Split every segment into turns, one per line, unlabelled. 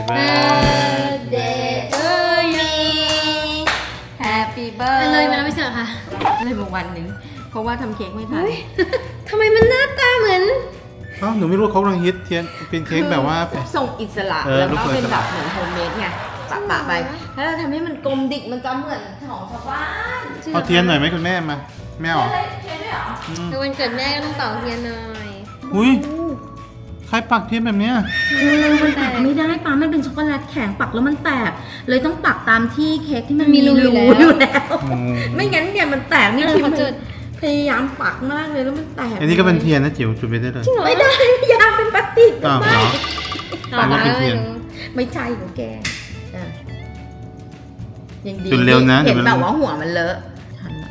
birthday to you Happy birthday
เลยมาแล้วไม่ใช่เหรอคะ
เลยมาวันหนึ่งเพราะว่าทำเค้กไม่ทัน
ทำไมมันหน้าตาเหมือน
อ้าวหนูไม่รู้เขากำลังฮิตเทียนเป็นเค้กแบบว่า
ส่งอิสระ
เออ
แล้ว
รูป
ก็
ทรงอิ
เป็น
สระ
แบบเหมือนโฮมเมดไงปะไปแล้วเราทำให้มันกลมดิกมันจะเหมือนของชาวบ้าน
เอาเทียนหน่อยไหมคุณแม่มาแม่ออก
อะไรเทียนด้วยเหรอ
คือวันเกิดแม่ก็ต้องเป่าเทียนหน่อย
อุ้ยใครปักเทียนแบบเนี้ย
คือมันปักไม่ได้ปามันเป็นช็อกโกแลตแข็งปักแล้วมันแตกเลยต้องปักตามที่เค้กที่มันมีรูอยู่แล้ว ไม่งั้นเนี่ยมันแตกนี่คือ
เขาจุด
พยายามปักมากเลยแล้วมันแตก
อันนี้ก็เป็นเทียนนะจิ๋วจุดไปได้เลย
ไม่ได้พยายามเป็นพลาสติก
อ้าวเหรอ
ต่อมา
เป็นเทียน
ไม่ใช่ของแกอ่ะยังดี
จุดเร็วนะ
เห็น
เดี๋ยวมัน
แบบว่าหัวมันเลอะทันอะ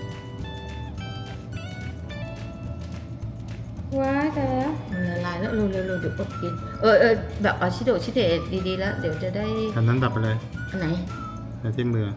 ว้ายแต่แล้ว
มันละลายแล้วเร็วเดี๋ยวอดกินแบบเอาชิเดะดีๆแล้วเดี๋ยวจะได้
อันนั้นดับไปเลย
อันไหน
แล้วที่มือ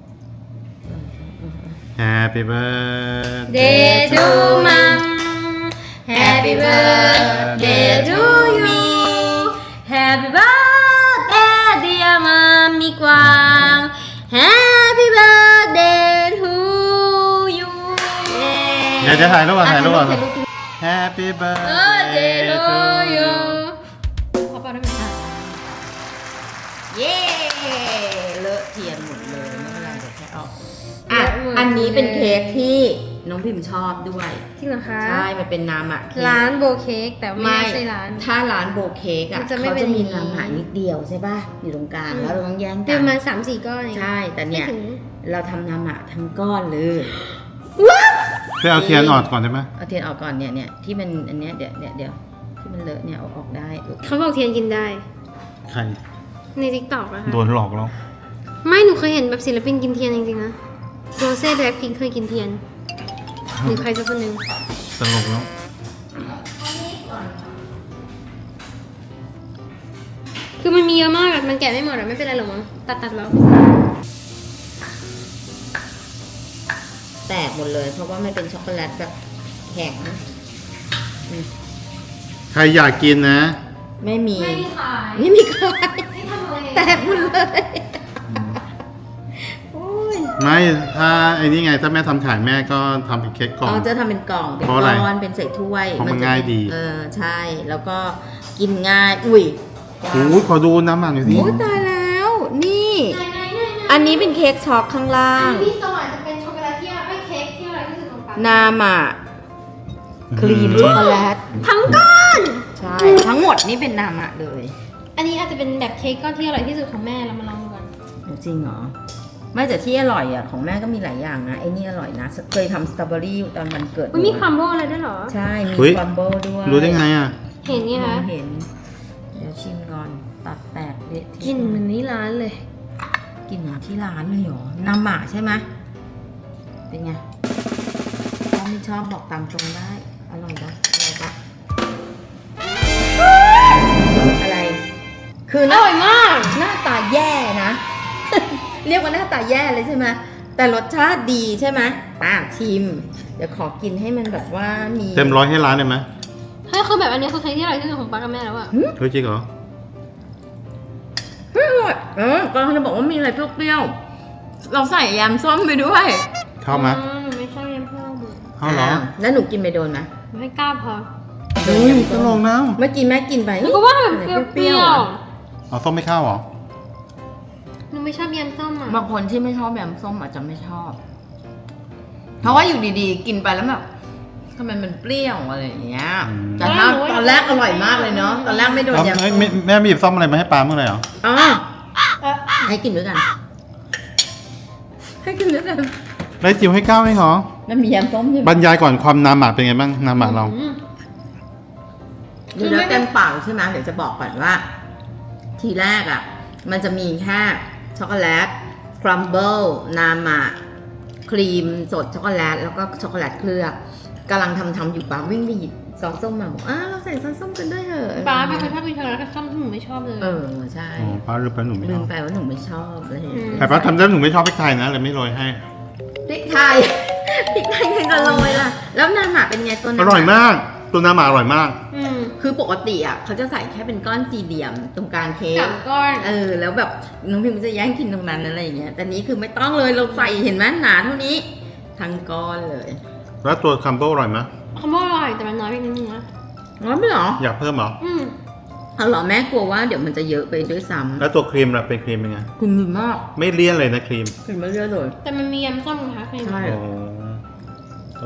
Happy birthday
Day to mom Happy birthday to you Happy birthday dear mommy กวาง Happy birthday to you
เดี๋ยวจะถ่ายรูปก่อนถ่ายรูปก่อน
ถ่ายรูป
Happy
birthday
birthday
to
to
you
you
ขอเป่าได้ไหมคะ
เย้เลอะเทียนหมดเลยไม่เป็นไรเดี๋ยวแค่เอาอันนี้เป็นเค้กที่น้องพิมชอบด้วย
จริงเหรอคะ
ใช่ มันเป็นน้ำอะเค้ก
ร้านโบเค้กแต่ไม่ใช่ร้าน
ถ้าร้านโบเค้กอะ
มันจะไม่
เขา
เป็น
จะมี
อย่างนี้
น้ำหานิดเดียวใช่ป่ะ อยู่ตรงกลางแล้วเราต้องแย่ง
เป็
กัน น
ประมาณ3-4 ก้อนเอง
ใช่ แต่เนี่ย
ไม่ถึง
เราทำน้ำอะทั้งก้อนเลย
เพื่อเอาเทียนออกก่อนได้ไหม
เอาเทียนออกก่อนเนี่ยที่มันอันเนี้ยเดี๋ยวที่มันเลอะเนี่ยเอาออกได้
เขาบอกเทียนกินได้
ใคร
ใน TikTok นะคะ
โดนหลอกแล้ว
ไม่หนูเคยเห็นแบบศิลปินกินเทียนจริงๆนะโรเซ่แบล็คพิงค์เคยกินเทียนหรือใครสักคนหนึ่ง
ตลกแล้ว
คือมันมีเยอะมากอะมันแกะไม่หมดอะไม่เป็นไรหรอกมั้งตัดแล้ว
แตกหมดเลย เพราะว่ามันเป็นช็อกโกแลตแบบแข็ง
ใครอยากกินนะ
ไม่มี
ไม่ขาย
ไม่มีใคร
ไม่ทำอะไร
แตกหมดเลยโอ้ย
ไม่ถ้าไอ้นี่ไงถ้าแม่ทำขายแม่ก็ทำเป็นเค้กกล่อง
เราจะทำเป็นกล่องเป็น
เพราะอะไร
ก้อนเป็นใส่ถ้วย
เพราะมัน
จะ
ง่ายดี
ใช่ แล้วก็กินง่าย อุ้ย
โอ้ยขอดูน้ำหมักหน่อยสิ
โอ้ยตายแล้ว นี่
ไหน
อันนี้เป็นเค้กช็อกข้างล่าง
พี่สวรรค์จะเป็นช็อกโกแลตที่ไม่เค้กที่อะไรที่สุดของปัง
นามะครีมช็อกโกแลต
ทั้งก้อน
ใช่ ทั้งหมดนี่เป็นนามะเลย
อันนี้อาจจะเป็นแบบเค้กก้อนที่อร่อยที่สุดของแม่เรามาลองดูกัน
จริงเหรอ ไม่แต่ที่อร่อยอ่ะของแม่ก็มีหลายอย่างนะไอ้นี่อร่อยนะ เคยทำสตรอเบอรี่ตอนวันเกิด
มันมีครัมเบิลอะไรด้วยเหรอ
ใช่ มี
เฮ้ย
ครัมเบิลด้วย
รู้ได้ไงอ่ะ
เห็นเนี่ยคะ
เห็น เดี๋ยวชิมก่อน ตัดแตกเละ
กลินเหมือนนี่ร้านเลย
กินเหมือนที่ร้านเลยเหรอ นามะใช่ไหมเป็นไงถ้าไม่ชอบบอกตามตรงได้ อร่อยปะอร่อยปะอะไร คือ
อร่อยมาก
หน้าตาแย่นะ เรียกว่าหน้าตาแย่เลยใช่ไหมแต่รสชาติดีใช่ไหมป้าชิม เดี๋ยวขอกินให้มันแบบว่ามี
เต็มร้อยให้ร้านได้ไหม
เฮ้ยคือแบบอันนี้คือเค้กที่อร่อยที่สุดของปังกับแม่แล้วอะ
เฮ้ยจริงเหรอ
เฮ้ยอร่อยกำลังจะบอกว่ามีอะไรเปรี้ยวๆเราใส่ยำส้มไปด้วย
เข้าไหม
หนูไม่ชอบยำเพิ่ม
เข้าเหรอ
แล้วหนูกินไปโดนไหม
หนูให้ก้าวพอ
เฮ้ยตลกนะ
เมื่อกี้แม่กินไป
หนูก็ว่าแบบเปรี้ยว
เอาส้มไม่เข้าเหรอ
ๆหนูไม่ชอบยำส้มอะ
บางคนที่ไม่ชอบยำส้มอาจจะไม่ชอบ เพราะว่าอยู่ดีๆ กินไปแล้วแบบทำไมมันเปรี้ยวอะไรอย่างเงี้ย แต่ถ้าตอนแรกอร่อยมากเลยเนาะ ตอนแรกไม่โดน
เอา
ยำส้
เฮ้ย
ม
แม่ไม่หยิบส้มอะไรมาให้ปาเมื่อไหร่เหรอ
อ๋อ
เอ่อ
ให้กินด้วยกัน ให้กินด้วยกัน
ได้จิ๋วให้ก้าวไหมเหรอ
มันมียำส้มใช่ไหม
บรรยายก่อนความน้ำหมักเป็นไงบ้างน้ำหมักเรา
ดูแล้วเต็มปากใช่ไหมเดี๋ยวจะบอกก่อนว่า ทีแรกอ่ะ มันจะมีแค่ช็อกโกแลตครัมเบิลนามะครีมสดช็อกโกแลตแล้วก็ช็อกโกแลตเคลือบกำลังทำอยู่ป้าวิ่งไปหยิบซอสส้มมาบอกเราใส่ซอสส้มกันด้วยเถอะ
ป้าเป็นคนชอบกินช็อกโกแลตกับส้มที่หนูไม่ชอบเลย
ใช่
อ๋อป้าลืมไปหนูไม่ช
ลื
อ
ม
บ
ไปว่าหนูไม่ชอบอะไรอย่างเงี้ย
แต่ป้าทำได้หนูไม่ชอบพริกไทยนะเลยไม่โรยให้
พริกไทย พริกไทยใครจะโรยล่ะ แล้วนามะเป็นไงตัวนั้น
อร่อยมากตัวน้ำหมาอร่อยมาก
คือปกติอ่ะเขาจะใส่แค่เป็นก้อนสี่เหลี่ยมตรงกลางเค้ก
สามก้อน
แล้วแบบน้องพิมจะแย่งกินตรงนั้นอะไรอย่างเงี้ยแต่นี้คือไม่ต้องเลยเราใส่เห็นไหมหนาเท่านี้ทั้งก้อนเลย
แล้วตัวคัมโบอร่อยไหม
คำว่าอร่อยแต่มันน้อยไปนิดนึงนะ
ร้อนไม่หรอ
อยากเพิ่มเหรอ
เอาเหรอแม่กลัวว่าเดี๋ยวมันจะเยอะไปด้วยซ้
แล้วตัวครีมล่ะเป็นครีมเป็นไง
ำคุณดีมาก
ไม่เลี่ยนเลยนะครีม
กินไม่เยอะเลย
แต่มันมียำส้มนะคะใคร
ใช่
โอ้โอ้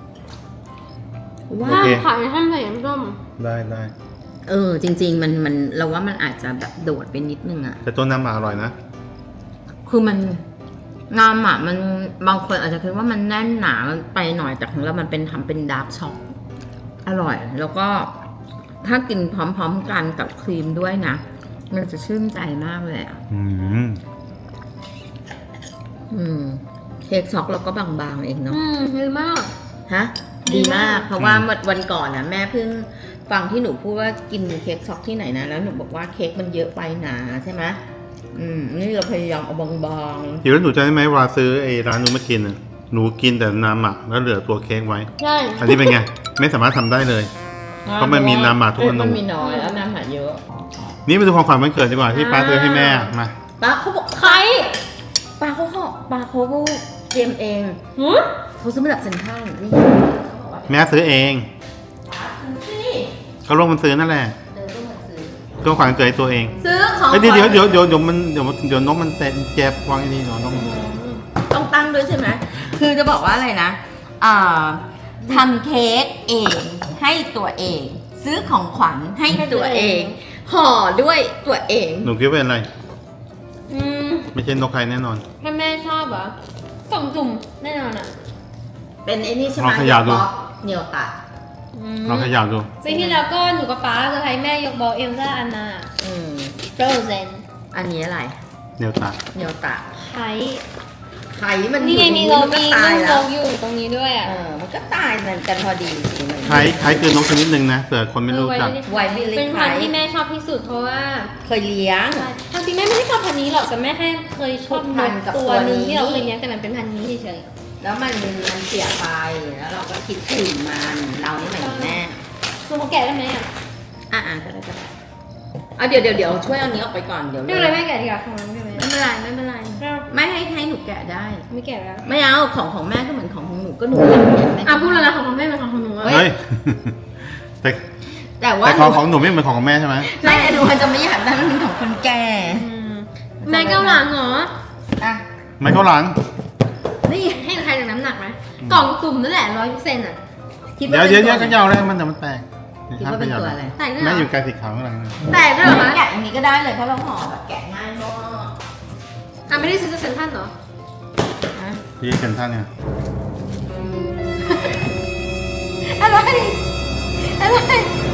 ว่า
โอเค
ขายท่านใส่ยำส้ม
ได้
จริง ๆ มันเราว่ามันอาจจะแบบโดดไปนิดนึงอ่ะ
แต่ตัวน้ำหมาอร่อยนะ
คือมันงามอ่ะมันบางคนอาจจะคิดว่ามันแน่นหนาไปหน่อยแต่ของเรามันเป็นทำเป็นดาร์กช็อกอร่อย แล้วก็ถ้ากินพร้อมๆกันกับครีมด้วยนะ มันจะชื่นใจมากเลยอ่ะ เค้กช็อกเราก็บางๆเองเนาะ
ดีมาก
ฮะ ดีมาก เพราะว่าวันก่อนนะแม่เพิ่งฟังที่หนูพูดว่ากินเค้กช็อกที่ไหนนะแล้วหนูบอกว่าเค้กมันเยอะไปหนาใช่ไหมนี่เราพยายามเอาบาง
เดี๋ยวหนูจะได้ไหมเวลาซื้อไอ้ร้านนู้นมากินอะหนูกินแต่น้ำหมักแล้วเหลือตัวเค้กไว้
ใช่
อันนี้เป็นไง ไม่สามารถทำได้เลย
ๆ
เพราะมันมีน้ำหมักทุกอนู
มันมีน้อยแล้วน้ำหมักเยอะ
นี่มาดูของขวัญวันเกิดดีกว่าที่ป้าซื้อให้แม่มา
ป้าเขาบอก
ใคร
ป้าเขาเตรียมเอง
หือ
เขาซื้อมาจากเซ็นทรัลนี่เขาบอกว่า
แม่ซื้อเอง
ป้าซื้อสิ
เขาลงมันซื้อนั่นแหละ
เดินต้องมาซื้อ
ตัวขวัญวันเกิดให้ตัวเอง
ซื้อของ
เฮ้ยเดี๋ยวนกมันเจ็บวางไอ้นี่เดี๋ยวนกมัน
ต้องตั้งด้วยใช่ไหมคือจะบอกว่าอะไรนะทำเค้กเองให้ตัวเอง ซื้อของขวัญให้ตัวเอง ห่อด้วยตัวเอง
หนูคิดว่าเป็นอะไร
อืม
ไม่ใช่นกใครแน่นอน
ถ้าแม่ชอบเหรอส่งจุ่มแน่นอนอ่ะ
เป็นไอ้นี่ใช่ไหม
ลองเขย่าดู
เหนียวตัด
ลองเขย่าดู
ปีที่แล้วก็หนูกับป๊าจะให้แม่ยกบอลเอลซ่าอันนา โฟรเซน
อันนี้อะไร
เดี๋ยวตา
เหนียวตัด
ไข่
ไข่มัน
นี่ไงมีโล
มันก็
มี
ตาย
ลูกโล
แล้ว
อยู่ตรงนี้ด้วยอ่ะ
มันก็ตายมันกันพอดีสิมัน
คล้ายคือนกชนิดหนึ่งนะเผื่อคนไม่รู้จัก
ไวบิลลี่
เป็นพันธุ์
ไข่
ที่แม่ชอบที่สุดเพราะว่า
เคยเลี้ยง
ความจริงแม่ไม่ได้ชอบพันธุ์นี้หรอกแต่แม่แค่เคยชอบ
พั
น
น
ก
กับ
ตัวหนึง
ตัวนี้
ที่เราเคยเลี้ยงแต่มันเป็นพันธุ์นี้เฉย
แล้วมันเสียไปแล้วเราก็คิดถึงมันเรานี่หมายถึงแม่
ๆคือเขาแกะได้ไหมอ่ะ
ก็ได้เอาเดี๋ยวช่วยเอานี้ออกไปก่อนเดี๋ยว
ไม่เป็นไรแม่แกะดีกว่าของน้องใช่ไหม
ไม่เป็นไรไม่ให้หนูแกะได้
ไม่แกะแล้ว
ไม่เอาของแม่ก็เหมือนของหนูก็หนูอยากเห็นแม่
พูดแล้วนะของแม่เป็นของหนูอะ
เฮ้ย
แต่ว่า
แต่ของหนูไม่เหมือนของแม่ใช่ไหม
ไม่หนูจะไม่อยากได้มันเป็นของคนแก่
แม่เก้าหลังเหรอ
อ่ะ
ไม่เข้าหลัง
นี่
ให้ใครจากน้ำหนักไหมกล่องตุ่มนั่นแหละ100%อ่ะ
คิด
เดี๋
ว่า
ยว
เป็น
เขย่าเลยมันแตก
คิดว่าเป็นตัวอะไร
แตกด้วยเหร
แม่
อ
อยู่ไกลสีขาวข้างหลังนะ
แตกด้วยเหรอคะ
แกะอันนี้ก็ได้เลยเพราะเราห่อแบบแกะง่ายมาก
ไม่ได้ซื้อจากเซ็นทรัลเหรอ
ที่เซ็นทรัลเนี่ย
อะไร
อะไร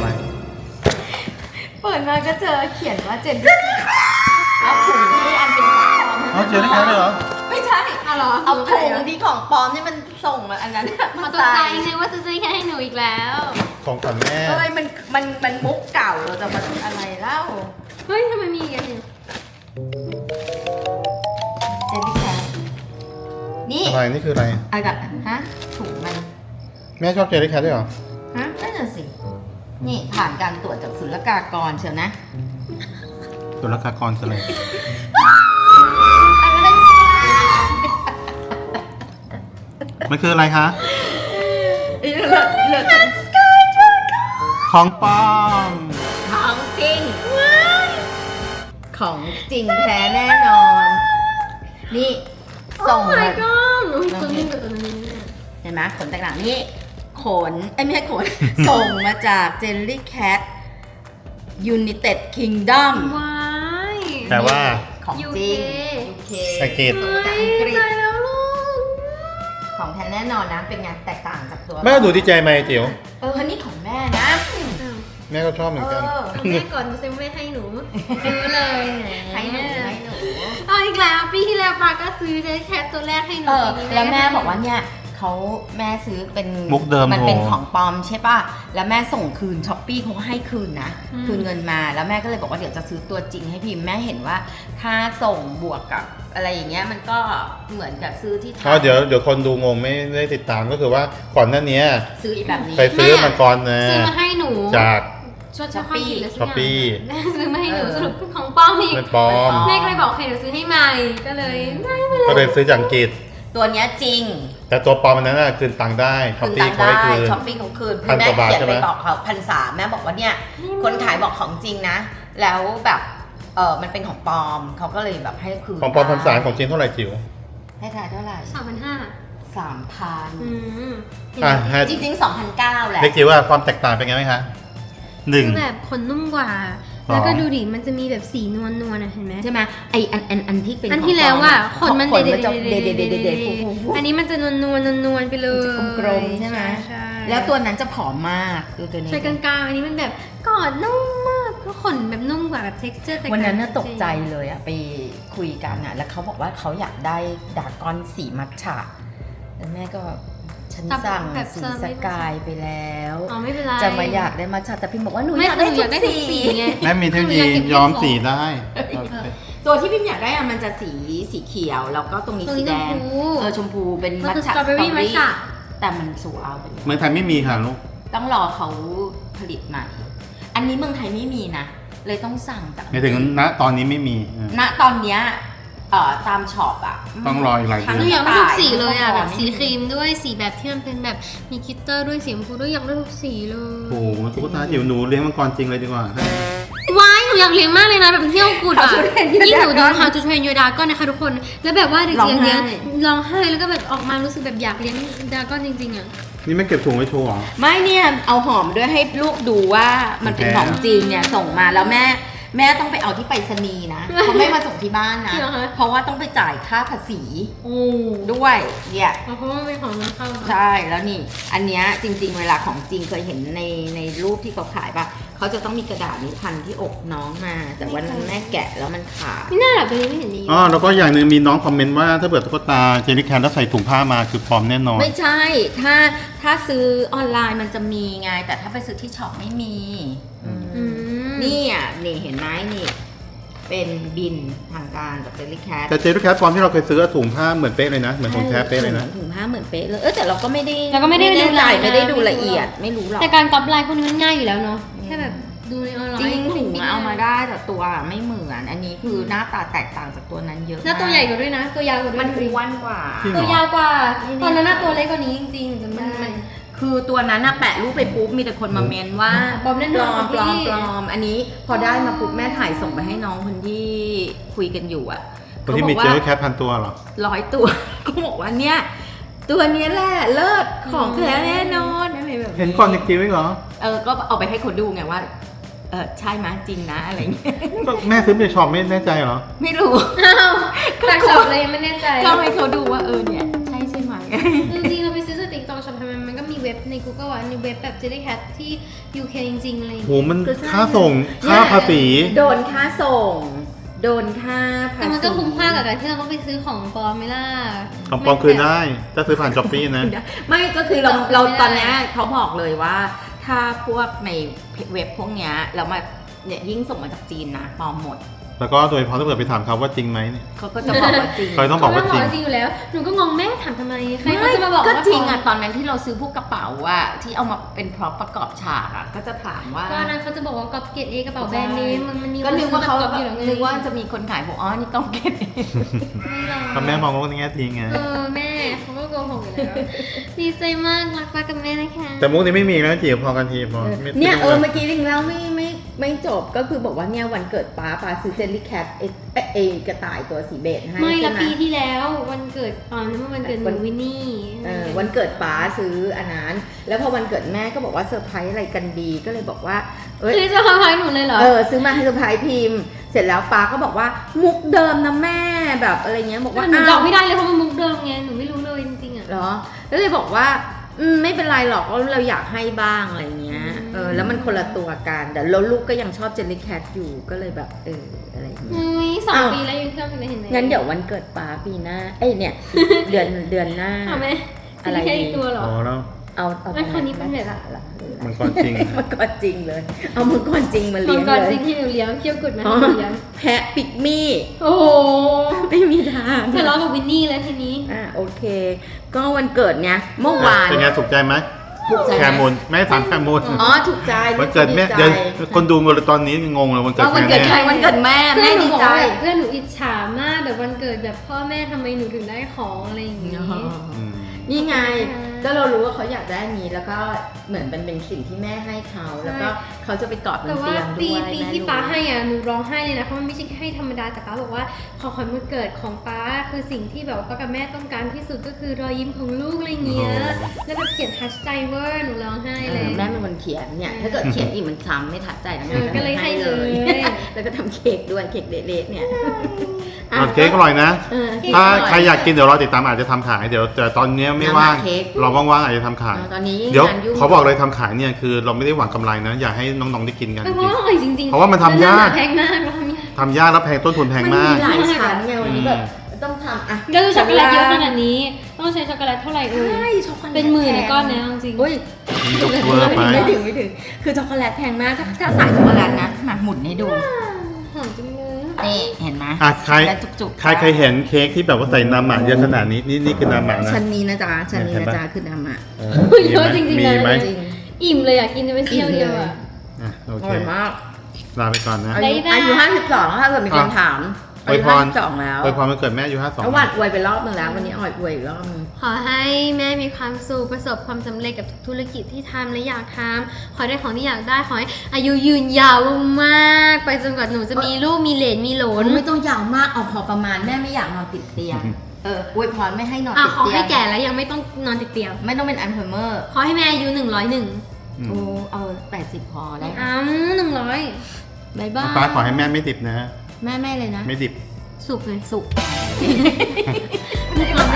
เปิดมาก็เจอเขียนว่าเจนเอาถุงที่อันเป็นของปลอม
เอาเจอได้แค่เลยเหรอ
ไม่ใช่
เอาเหรอ
เอาถุงที่ของปลอมที่มันส่งมาอันนั้น
มาตกใจนึกว่าซื้อแค่ให้หนูอีกแล้ว
ของขวัญแม่
อะไรมันมุกเก่าเราจะมาทำอะไรเล่า
เฮ้ยทำไมมีอีกอันหนึ่ง
เจนนี่แคทนี่
อะไรนี่คืออะไร
อะไรแบบฮะถุงมัน
แม่ชอบเจอได้แค่ด้วยเหรอ
ฮะนั่นน่ะสิ นี่ผ่านการตรวจจากศุลกากรเชียวนะ
ตุลกากรคืออะไร
อะไร
มันคืออะไรคะ
เหลือ
ของปลอม
ของจริง ของจริงแท้แน่นอน นี่ส่ง
โอ้
มา
my god หนูตัวนี้กับตัวนี้
เห็นไหมขนแตกต่างนี่ขนไม่ใช่ขน ส่งมาจาก Jellycat United Kingdom
ว้าย
แต่ว่า
ของจริง UK
อังกฤษ
ส่งมาจากอังกฤษ
ตายแล้วลูก
ของแท้แน่นอนนะ เป็นไงแตกต่างจากตัว
แม่ดูดีใจไหมจิ๋ว
นี่ของแม่นะ
แม่ก็ชอบเหมือนกัน
เอาแม่ก่อนดูซิไม่ให้หนูดูเลยแหม
ให้หนู
เอาอีกแล้วปีที่แล้วปาก็ซื้อเจแคทตัวแรกให้หนูปีนี้
แล้วแม่บอกว่าเนี่ยเขาแม่ซื้อเป็น
มุกเดิม
มันเป็น
โทร
ของปลอมใช่ป่ะแล้วแม่ส่งคืนช้อปปี้เขาก็ให้คืนนะคืนเงินมาแล้วแม่ก็เลยบอกว่าเดี๋ยวจะซื้อตัวจริงให้พิมพ์แม่เห็นว่าค่าส่งบวกกับอะไรอย่างเงี้ยมันก็เหมือนกับซื้อที่ไท
อ๋อย เดี๋ยวคนดูงงไม่ได้ติดตามก็คือว่าก่อนหน้านี้
ซื้ออีกแบบนี้
ไปซื้อมาก่อนนะ
ซื้อมาให้หนู
จาก
Shopee หรือสักอย่าง
Shopee
ซื้อมาให้หนูสรุปเป็นของปลอมอีก
เป็นปลอม
แม่ก็เลยบอกให้หนูซื้อให้ใหม่ก็เลยได้ไปเลย
ก็เลยซื้อจากอังกฤษ
ตัวเนี้ยจริง
แต่ตัวปลอมอันนั้นน่ะคืนตังค์ได้ช้อป
คืน
ปี้
ตังค์
เขาให้
ได้
คืน
ช้อปปี้เขาคืน
พันกว่าบาท
แม่เขียน
ใช่ไห
ไป
ม
บอกเขา1,300แม่บอกว่าเนี่ยคนขายบอกของจริงนะ แล้วแบบมันเป็นของปลอมเขาก็เลยแบบให้คืน
ของปลอม1,300ของจริงเท่าไหร่จิ๋ว
ให้ทายเท่าไหร่
3,500
3,000
อ่ะให้
จริงๆ2,900แหละ
เล็กจิ๋วว่าความแตกต่างเป็นไงไหมคะหนึ่ง
คือแบบขนนุ่มกว่า
อ๋อ
แล้วก็ดูดิมันจะมีแบบสีนวลๆนะเห็นไหม
ใช่ไหมไออันที่เป็น
อันที่แล้วอ่ะขนมัน
ขนมันจะ
เด็ด
เด็ดฟูๆ
อันนี้มันจะนวลๆไปเลย
มันจะกลมๆใช่ไหม
ใช่
แล้วตัวนั้นจะผอมมากดูตัวนี้
ใช่กลางๆอันนี้มันแบบกอดนุ่มมากก็ขนแบบนุ่มกว่าแบบ texture แต่
วันนั้นน่ะตกใจเลยอะไปคุยกันอะแล้วเขาบอกว่าเขาอยากได้ดรากอนสีมัทฉะแล้วแม่ก็ฉันสั่งสีสกายไปแล้ว
อ๋อไม่เป็นไร
จะมาอยากได้มัทฉะแต่พิมบอกว่าหนู
ไม่
อยาก
หนู
ได้
อยากได้
ทุ
ทุ
ก
ก
สี
สีไง
แม่มีเทคโนโลยียอมสีได้
ตัวที่พิมอยากได้อะมันจะสีเขียวแล้วก็ตรงนี้
ตรง
สี
นี้
แดง
ชมพู
ชมพูเป็น
มัน
มัท
คือ
ฉะ
สตรอเบอรี่มัทฉะ
แต่มันโซเอาไปแล้ว
เมืองไทยไม่มีค่ะลูก
ต้องรอเขาผลิตใหม่ อันนี้เมืองไทยไม่มีนะ เลยต้องสั่งจาก
ในถึงณตอนนี้ไม่มีอ่ะ
ณตอนเนี้ยตามช็อปอ่ะ
ต้องรออีกหลายเดื
ห
อน
นูอยากได้ทุกสีเลยอ่ะ
ทั้ง
แบบสีครีมด้วยสีแบบที่มันเป็นแบบมีกลิตเตอร์ด้วยสีชมพูด้วยอยากได้ทุกสีเลย
โอ้โหตุ๊กตาจิ๋วหนูเลี้ยงมังกรจริงเลยดีกว่า
ว้ายหนูอยากเลี้ยงมากเลยนะแบบเที่ยวกุดอ่ะ
How to Train Your
ยิ่งหนูดู
Dragon
How to Train Your Dragon นะคะทุกคน แล้วแบบว่าเด็ก
ร้องไห้
เลี้ยงร้องไห้แล้วก็แบบออกมารู้สึกแบบอยากเลี้ยงดราก้อนจริงๆอ่ะ
นี่ไม่เก็บถุงไว้โชว์เหรอ
ไม่เนี่ยเอาหอมด้วยให้ลูกดูว่ามันเป็นของจริงเนี่ยส่งมาแล้วแม่ต้องไปเอาที่ไปรษณีย์นะเขาไม่มาส่งที่บ้านนะ
จริงเหรอคะ
เพราะว่าต้องไปจ่ายค่าภาษี
โอ้
ด้วยเนี่ย
เพราะว่าเป็นของนำเข้า
ใช่แล้วนี่ อันเนี้ยจริง ๆ เวลาของจริงเคยเห็นในรูปที่เขาขายป่ะเขาจะต้องมีกระดาษนี้พันที่อกน้องมา แต่วันนั้นแม่แกะแล้วมันขาด
ไม่น่าหรอกตัวนี้ไม่เห็นดี
อ๋อแล้วก็อย่างหนึ่งมีน้องคอมเมนต์ว่าถ้าเกิดตุ๊กตาเจลลี่แคนแล้วใส่ถุงผ้ามาคือปลอมแน่นอน
ไม่ใช่ ถ้าซื้อออนไลน์มันจะมีไง แต่ถ้าไปซื้อที่ช็อปไม่มี
อืม
นี่อ่ะนี่เห็นไหมนี่ เป็นบินทางการจากเจลลี่แคท
แต่เจลลี่แคทปลอมที่เราเคยซื้อถุงผ้าเหมือนเป๊ะเลยนะ เหมือนของแท้เป๊ะเลยนะ
ถุงผ้าเหมือนเป๊ะเลยแต่เราก็ไม่ได้
เราก็ไม่ได้ดู
ใจ
ลาย
ไม่ได้ดูละเอียดไม่รู้หรอก
แต่การก๊อปลายพวกนี้มันง่ายอยู่แล้วเนาะแค่แบบดูในออนไลน์
จริงถุง
ปิ้ง
เอามาได้แต่ตัวไม่เหมือน อันนี้คือหน้าตาแตกต่างจากตัวนั้นเยอะ
แล้วตัวใหญ่กว่าด้วยนะ ตัวยาวกว่าด้วย
มันอ้วนกว่า
จริงเหร
ตัวยาวกว่าตอนนั้นน่ะตัวเล็กกว่านี้จริงๆจำ
มั
ได้
นคือตัวนั้นน่ะแปะรูปไปปุ๊บมีแต่คนมาเมนว่า
ปลอมแน่น
ปล
อ
อน มปลอม
พี่
ปลอมอันนี้พอได้มาปุ๊บแม่ถ่ายส่งไปให้น้องคนที่คุยกันอยู่อ่ะ
คนที่มีเจลลี่แคทพันตัวเหรอ
100 ตัว ก็บอกว่าเนี่ยตัวเนี้ยแหละเลิศของแท้แน่นอนอะไรแบบ
เห็นก่อนจริงๆไหมเหรอ
ก็เอาไปให้คนดูไงว่าใช่ไหมยจริงนะอะไรเงี้ย
ก็แม่ซื้อในช็อปไม่แน่ใจเหรอ
ไม่รู้
อ้าวแต่ช็อปเลยยังไม่แน่ใจ
ก็ให้เขาดูว่าเนี่ยใช่ไหม
จริงๆเราไปซื้อสติ๊กต็อกช็อปทำไมมันก็มีเว็บใน Google อ่ะในเว็บแบบ Jellycat ที่ UK จริงๆอะไรอย่าง
โห
เงี้ย
มัน
คือใช่
ค่าส่ง ค่าภาษี
โดนค่าส่ง โดนค่าภาษี
แต่มันก็คุ้มค่ากับการที่เราต้องไปซื้อของปลอมไหมล่ะ
ของปลอมคืนได้ ถ้าซื้อผ่านช้อปปี้นะ
ไม่ก็คือเรา
ไม่ได้
เราตอนเนี้ยเขาบอกเลยว่า ถ้าพวกในเว็บพวกเนี้ยเรามาเนี่ยยิ่งส่งมาจากจีนนะปลอมหมด
แล้วก็โดยเฉพาะถ้าเกิดไปถามเขาว่าจริงไหมเนี่ย
เขาก็จะบอกว่าจริง
เขาต้องบอกว่าจริง
เขไม่อยู่แล้ว หนูก็งงแม่ถามทำไม ใครเขาจะมาบอก
ก็
ว่า
จริง
ปล
อ่ะ
ม
ตอนนั้นที่เราซื้อพวกกระเป๋าอ่ะที่เอามาเป็นพร็อพประกอบฉากอ่ะก็จะถามว่า
ก็นั้นเขาจะบอกว่ากอบเกตเอกระเป๋าแบรนด์เนมมันมี
ก็นึกว่าเขา
ซื้อแบบก๊อปอยู่แล้วไง
นึกว่าจะมีคนขายบอกอ๋อนี่ต้องเก็ต
ไม่หรอก
ก็แม่มองว่าในแง่ดีไง
แม่เขาก็โกหกอยู่แล้ว ดีใจมากรักป้ากับแม่นะคะ
แต่มุกนี้ไม่มีนะจีบพอกันทีพอไม่
เนี่ย
ไม่
เมื่อกี้จริงแล้วไม่จบก็คือบอกว่าเนี่ยวันเกิดป้าซื้อเจลลี่แคทเอกระต่ายตัวสีเบจให้
ไม่
ใช่
ละ
ไหม
ปีที่แล้ววันเกิดนั่นมันวันเกิดหนูวินนี่
วันเกิดป้าซื้ออันนั้นแล้วพอวันเกิดแม่ก็บอกว่าเซอร์ไพรส์อะไรกันดีก็เลยบอกว่าเอ้ย
คือจะพาพายหนูเลยเหรอ
ซื้อมาให้เซอร์ไพรส์พิมพ์ เสร็จแล้วป้าก็บอกว่ามุกเดิมนะแม่แบบอะไรเงี้ยบอกว่า
หนูบ
อ้า
อ
ว
กไม่ได้เลยเพราะมันมุกเดิมไงหนูไม่รู้เลยจริงๆอ่ะ
เหรอแล้วเลยบอกว่าไม่เป็นไรหรอกเราอยากให้บ้างอะไรเงี้ยแล้วมันคนละตัวกันแต่แล้วลูกก็ยังชอบเจลลี่แคทอยู่ก็เลยแบบอะไรเงี้ย
อุ้ย2
อ้าว
ปีแล้วยังชอบอยู่เลยเห็นไหม
งั้นเดี๋ยววันเกิดป้าปีหน้าเนี่ย เดือนหน้า
เอาไหม
อะไร
แค่
ดี
อีกตัวเหรอ
พอแล้ว
เอา
แล้วคราวนี้เป็นแบบ
มังกรจริง
มังกรจริงเลย เอามังกรจริงมา
มั
เลี้
ง
ยง
กร
เล
จริ
ย
งที่หนูเลี้ยงเคี้ยวกุดมา
อ๋อ
ให้หนูเลี้ยง
แพะปิกมี่
โอ้โห
ไม่มีทาง
ทะเลาะกับวินนี่แล้วทีนี้
โอเค ก็วันเกิดไงเมื่อวาน
เป็นไงถูกใจไหม
ถูกใจ
แค
ไหม
มูลแม่ถามแคมูล
อ๋อถูกใจ
วันเกิดแม่
ใจ
เดี๋ยวคนดูกันเลยตอนนี้งงเลยวันเกิด
ว่าวันเกิด
แม่
ใครวันเกิดแม่
เพื่
แม่
อนหนู
ดี
บอก
ใจ
ว่าแบบเพื่อนหนูอิจฉามากแบบวันเกิดแบบพ่อแม่ทำไมหนูถึงได้ของอะไรอย่างงี้
อืม
นี่ไง
ใช่
ก็เรารู้ว่าเขาอยากได้อันนี้แล้วก็เหมือนเป็นสิ่งที่แม่ให้เขาแล้วก็เขาจะไปกอดบ
แต่
น
ว่า
เตียง
ปี
ด้วย
ปี
แม่
ที่
รู้
ป้าให้อ่ะหนูร้องไห้เลยนะเพราะมันไม่ใช่ให้ธรรมดาแต่ป้าบอกว่าของขวัญวันเกิดของป้าคือสิ่งที่แบบว่าป้ากับแม่ต้องการที่สุดก็คือรอยยิ้มของลูกอะไรเงี้ยแล้วแบบเขียนทัชใจเวอร์หนูร้องไห้เลย
แม่เป็นคนเขียนเนี่ยถ้าเกิดเขียนอีกมันซ้ำไม่ทัดใจนะ
ก็เลยให้เลย
แล้วก็ทำเค้กด้วยเค้กเละๆเนี่ย
ตอนเค้กอร่อยนะ
เออเค้ก
ถ้า
อร่อย
ใครอยากกินเดี๋ยวรอติดตามอาจจะทำขายเดี๋ยวแต่ตอนนี้ไม่ว่าง
น้ำหนักเค้ก
เราว่างๆอาจจะทำขาย
ตอนนี้
เดี๋ยว
งานยุ่ง
เขาบอกเลยทำขายเนี่ยคือเราไม่ได้หวังกำไรนะ อยากให้น้องๆได้กินกัน
เพราะว่าอร่อยจริงๆ
เพราะว่ามันทำยาก
แพงมากเราทำยาก
ทำยากแล้วแพงต้นทุนแพง
มัน
มาก
มีหลายชั้นไงวันนี้แบบต้องทำอ่ะ
ก็ดูช็อกโกแลตเยอะขนาดนี้ ต้องใช้ช็อกโกแลตเท่าไหร่เอ่ย
ใช่ช็อกโกแลต
เป็นหมื่นในก้อนเนี้ยจริง
อุ้ย
ยกเวอร์ไป
ไม่ถึงคือช็อกโกแลตแพงมากถ้าสายช็อกโกแลตนะมาหมุนให้ดู
หอมจังเลย
นี่เห็นไหม
อ่ะใคร
ช็อกโกแลตจุกๆ
ใครเห็นเค้กที่แบบว่าใส่น้ำหมักเยอะขนาดนี้นี่คือน้ำหมักนะ
ชั้นนี้นะจ๊ะชั้นนี้
เห็น
นะ
ปะ
จ๊ะคือน้ำอ่ะ
เยอะจริงๆ
มี
เลย
ไหม
จริง
อิ่มเลยอยากกินจะไปเที่ยวเดียวอ่ะ
อ่ะโอ
อ
เค
ร่อยมาก
ลาไปก่อนนะ
อา
บ๊าย
ยุ
บาย
อายุ52ถ้าเกิดมีคนถาม
อวยพร
52แล้ว
อวยพรวันเกิดแม่อายุ52
เมื่อวานอวยไปรอบนึงแล้ววันนี้อวยอีกรอบนึง
ขอให้แม่มีความสุขประสบความสำเร็จกับทุกธุรกิจที่ทำและอยากทำขอได้ของที่อยากได้ขอให้อายุยืนยาวมากๆไปจนกว่าหนูจะมีลูกมีเหลนมีโหลน
ไม่ต้องยาวมากเอาพอประมาณแม่ไม่อยากนอนติดเตียงอวยพรไม่ให้นอน
อ่ะ
ติด
ขอ
เตีย
ให้
ง
แก่แล้วยังไม่ต้องนอนติดเตียง
ไม่ต้องเป็นอัลไซเมอร์
ขอให้แม่อายุ101
อืม
โอ้เอา80พอแล้ว
100
บายบาย
ป้าขอให้แม่ไม่ดิบนะ
แม่เลยนะ
ไม่ดิบ
สุกเลย
สุข
มีความ